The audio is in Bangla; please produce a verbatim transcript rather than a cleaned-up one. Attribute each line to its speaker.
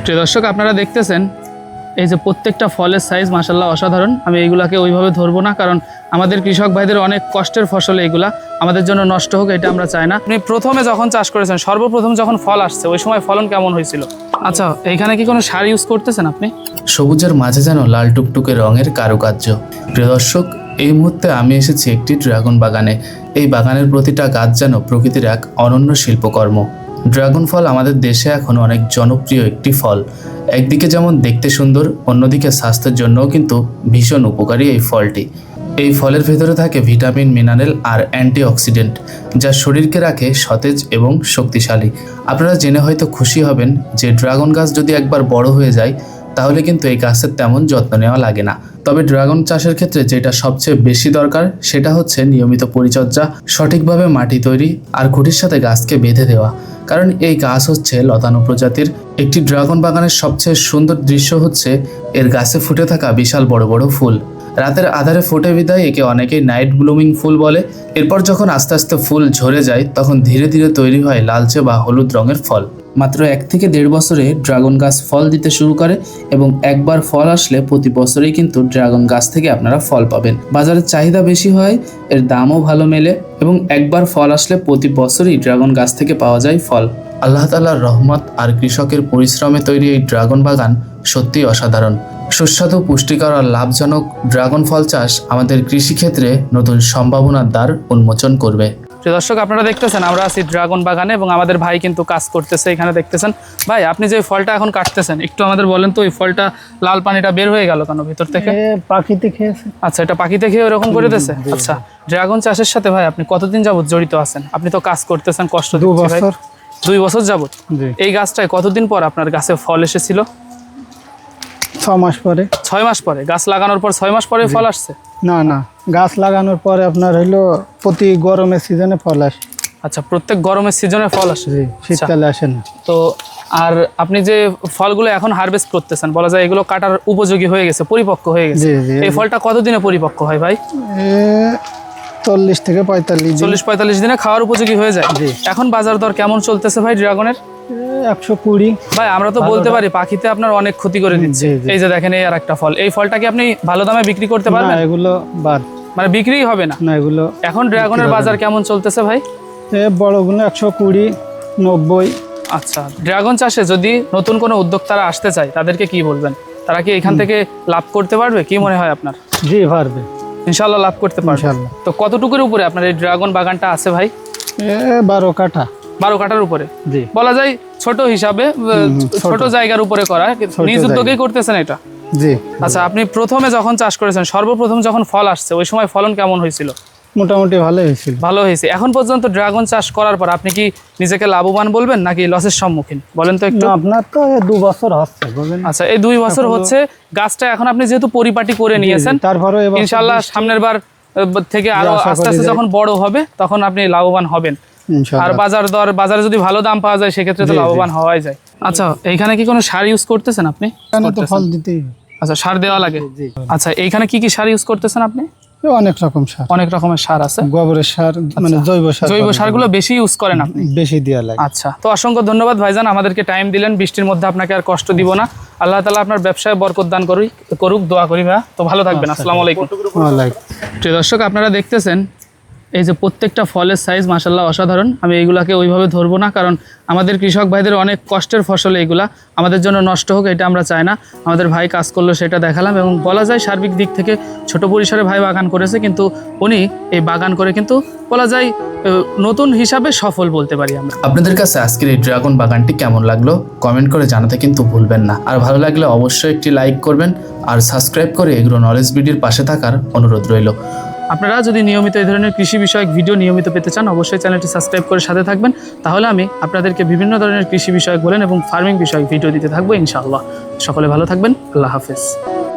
Speaker 1: প্রিয় দর্শক, আপনারা দেখতেছেন এই যে প্রত্যেকটা ফলের সাইজ মাশাআল্লাহ অসাধারণ। আমি এইগুলাকে ওইভাবে ধরবো না, কারণ আমাদের কৃষক ভাইদের অনেক কষ্টের ফসল এইগুলা, আমাদের জন্য নষ্ট হোক এটা আমরা চাই না। আপনি প্রথমে যখন চাষ করেছেন, সর্বপ্রথম যখন ফল আসছে ওই সময় ফলন কেমন হয়েছিল? আচ্ছা, এইখানে কি কোনো সার ইউজ করতেছেন আপনি?
Speaker 2: সবুজের মাঝে যেন লাল টুকটুকে রঙের কারুকার্য। প্রিয় দর্শক, এই মুহূর্তে আমি এসেছি একটি ড্রাগন বাগানে। এই বাগানের প্রতিটা গাছ যেন প্রকৃতির এক অনন্য শিল্পকর্ম। ড্রাগন ফল আমাদের দেশে এখন অনেক জনপ্রিয় একটি ফল। একদিকে যেমন দেখতে সুন্দর, অন্যদিকে স্বাস্থ্যের জন্যও কিন্তু ভীষণ উপকারী এই ফলটি। এই ফলের ভেতরে থাকে ভিটামিন, মিনারেল আর অ্যান্টিঅক্সিডেন্ট, যা শরীরকে রাখে সতেজ এবং শক্তিশালী। আপনারা জেনে হয়তো খুশি হবেন যে ড্রাগন গাছ যদি একবার বড় হয়ে যায় তাহলে কিন্তু এই গাছের তেমন যত্ন নেওয়া লাগে না। তবে ড্রাগন চাষের ক্ষেত্রে যেটা সবচেয়ে বেশি দরকার সেটা হচ্ছে নিয়মিত পরিচর্যা, সঠিকভাবে মাটি তৈরি আর খুঁটির সাথে গাছকে বেঁধে দেওয়া। কারণ এই গাছ হচ্ছে লতানো প্রজাতির। একটি ড্রাগন বাগানের সবচেয়ে সুন্দর দৃশ্য হচ্ছে এর গাছে ফুটে থাকা বিশাল বড় বড় ফুল। রাতের আধারে ফোটে বিদায় একে অনেকেই নাইট ব্লুমিং ফুল বলে। এরপর যখন আস্তে আস্তে ফুল ঝরে যায় তখন ধীরে ধীরে তৈরি হয় লালচে বা হলুদ রঙের ফল। মাত্র এক থেকে দেড় বছরে ড্রাগন গাছ ফল দিতে শুরু করে এবং একবার ফল আসলে প্রতি বছরেই কিন্তু ড্রাগন গাছ থেকে আপনারা ফল পাবেন। বাজারে চাহিদা বেশি হয়, এর দামও ভালো মেলে এবং একবার ফল আসলে প্রতি বছরই ড্রাগন গাছ থেকে পাওয়া যায় ফল। আল্লাহ তাআলার রহমত আর কৃষকের পরিশ্রমে তৈরি এই ড্রাগন বাগান সত্যিই অসাধারণ। সুস্বাদু, পুষ্টিকর আর লাভজনক ড্রাগন ফল চাষ আমাদের কৃষিক্ষেত্রে নতুন সম্ভাবনার দ্বার উন্মোচন করবে।
Speaker 1: প্রিয় দর্শক, আপনারা দেখতেছেন আমরা আছি ড্রাগন বাগানে এবং আমাদের ভাই কিন্তু কাজ করতেছে এখানে দেখতেছেন। ভাই, আপনি যে ফলটা এখন কাটতেছেন একটু আমাদের বলেন তো, ওই ফলটা লাল পানিটা বের হয়ে গেল কেন ভিতর থেকে?
Speaker 3: পাখিতে খেয়েছে।
Speaker 1: আচ্ছা, এটা পাখিতে খেয়ে ওরকম করে দিয়েছে। আচ্ছা, ড্রাগন চাষের সাথে ভাই আপনি কতদিন যাবত জড়িত আছেন? আপনি তো কাজ করতেছেন, কষ্ট দিচ্ছে ভাই। দুই বছর যাবত। এই গাছটায় কতদিন পর আপনার গাছে ফল এসেছিল?
Speaker 3: ছয় মাস পরে।
Speaker 1: ছয় মাস পরে? গাছ লাগানোর পর ছয় মাস পরে ফল আসছে?
Speaker 3: না না, গাছ লাগানোর পরে আপনার হইলো প্রতি গরমের সিজনে ফল আসে।
Speaker 1: আচ্ছা, প্রত্যেক গরমের সিজনে ফল আসে,
Speaker 3: শীতকালে আসে না।
Speaker 1: তো আর আপনি যে ফলগুলো এখন হারভেস্ট করতেছেন, বলা যায় এগুলো কাটার উপযোগী হয়ে গেছে, পরিপক্ক হয়ে গেছে। এই ফলটা কতদিনে পরিপক্ক হয় ভাই?
Speaker 3: চল্লিশ থেকে পঁয়তাল্লিশ
Speaker 1: চল্লিশ পঁয়তাল্লিশ দিনে খাওয়ার উপযোগী হয়ে যায়। এখন বাজার দর কেমন চলতেছে ভাই ড্রাগনের?
Speaker 3: একশো কুড়ি।
Speaker 1: ভাই, আমরা তো বলতে পারি পাখিতে আপনার অনেক ক্ষতি করে দিচ্ছে। এই যে দেখেন, এই আর একটা ফল, এই ফলটা কি আপনি ভালো দামে বিক্রি করতে পারবেন?
Speaker 3: এগুলো বাদ,
Speaker 1: মানে বিক্রিই হবে না?
Speaker 3: না, এগুলো
Speaker 1: এখন ড্রাগনের বাজার কেমন চলতেছে ভাই?
Speaker 3: বড়গুলো একশো কুড়ি, নব্বই।
Speaker 1: আচ্ছা, ড্রাগন চাষে যদি নতুন কোনো উদ্যোক্তারা আসতে চায় তাদেরকে কি বলবেন? তারা কি এখান থেকে লাভ করতে পারবে? কি মনে হয় আপনার?
Speaker 3: জি, পারবে,
Speaker 1: ইনশাআল্লাহ লাভ করতে পারবে। তো কতটুকুর উপরে আপনার এই ড্রাগন বাগানটা আছে ভাই?
Speaker 3: বারো কাঠা।
Speaker 1: বারো কাঠার উপরে বলা যায়, ছোট হিসাবে ছোট জায়গার উপরে করা, নিজ উদ্যোগেই করতেছেন এটা?
Speaker 3: জি।
Speaker 1: আচ্ছা, আপনি প্রথমে যখন চাষ করেছেন, সর্বপ্রথম যখন ফল আসছে ওই সময় ফলন কেমন হয়েছিল?
Speaker 3: মোটামুটি ভালো হয়েছিল।
Speaker 1: ভালো হয়েছে। এখন পর্যন্ত ড্রাগন চাষ করার পর আপনি কি নিজেকে লাভবান বলবেন নাকি লসের সম্মুখীন? বলেন তো একটু।
Speaker 3: আপনার তো দু বছর হচ্ছে।
Speaker 1: আচ্ছা, এই দুই বছর হচ্ছে গাছটা এখন আপনি যেহেতু পরিপাটি করে নিয়েছেন,
Speaker 3: তারপরে
Speaker 1: ইনশাআল্লাহ সামনের বার থেকে আরো আস্তে আস্তে যখন বড় হবে তখন আপনি লাভবান হবেন। আর বাজার দর, বাজারে যদি ভালো দাম পাওয়া যায় সেক্ষেত্রে তো লাভবান হওয়াই যায়। আচ্ছা, এইখানে কি কোনো সার ইউজ করতেছেন আপনি?
Speaker 3: ফল দিতেই।
Speaker 1: আচ্ছা, সার দেওয়া লাগে। আচ্ছা, এইখানে কি কি সার ইউজ করতেছেন আপনি?
Speaker 3: অনেক রকম সার,
Speaker 1: অনেক রকমের সার আছে।
Speaker 3: গোবরের সার, মানে জৈব সার।
Speaker 1: জৈব সারগুলো বেশি ইউজ করেন আপনি?
Speaker 3: বেশি দেওয়া লাগে।
Speaker 1: আচ্ছা, তো অসংখ্য ধন্যবাদ ভাইজান, আমাদেরকে টাইম দিলেন। বৃষ্টির মধ্যে আপনাকে আর কষ্ট দিব না। আল্লাহ তাআলা আপনার ব্যবসায় বরকত দান করুক করুক দোয়া করি ভাই। তো ভালো থাকবেন। আসসালামু আলাইকুম। প্রিয় দর্শক, আপনারা দেখতেছেন এই যে প্রত্যেকটা ফলের সাইজ মাশাআল্লাহ অসাধারণ। আমি এইগুলাকে ওইভাবে ধরবো না, কারণ আমাদের কৃষক ভাইদের অনেক কষ্টের ফসল এইগুলা, আমাদের জন্য নষ্ট হোক এটা আমরা চাই না। আমাদের ভাই কাজ করলো সেটা দেখালাম এবং বলা যায় সার্বিক দিক থেকে ছোট পরিসরে ভাই বাগান করেছে, কিন্তু উনি এই বাগান করে কিন্তু বলা যায় নতুন হিসাবে সফল বলতে পারি আমরা।
Speaker 2: আপনাদের কাছে আজকের এই ড্রাগন বাগানটি কেমন লাগলো কমেন্ট করে জানাতে কিন্তু ভুলবেন না। আর ভালো লাগলে অবশ্যই একটি লাইক করবেন আর সাবস্ক্রাইব করে এগ্রো নলেজ ভিডিওর পাশে থাকার অনুরোধ রইল।
Speaker 1: আপনারা যদি নিয়মিত এই ধরনের কৃষি বিষয়ক ভিডিও নিয়মিত পেতে চান অবশ্যই চ্যানেলটি সাবস্ক্রাইব করে সাথে থাকবেন। তাহলে আমি আপনাদেরকে বিভিন্ন ধরনের কৃষি বিষয়ক বলেন এবং ফার্মিং বিষয়ক ভিডিও দিতে থাকবো ইনশাআল্লাহ। সকলে ভালো থাকবেন। আল্লাহ হাফেজ।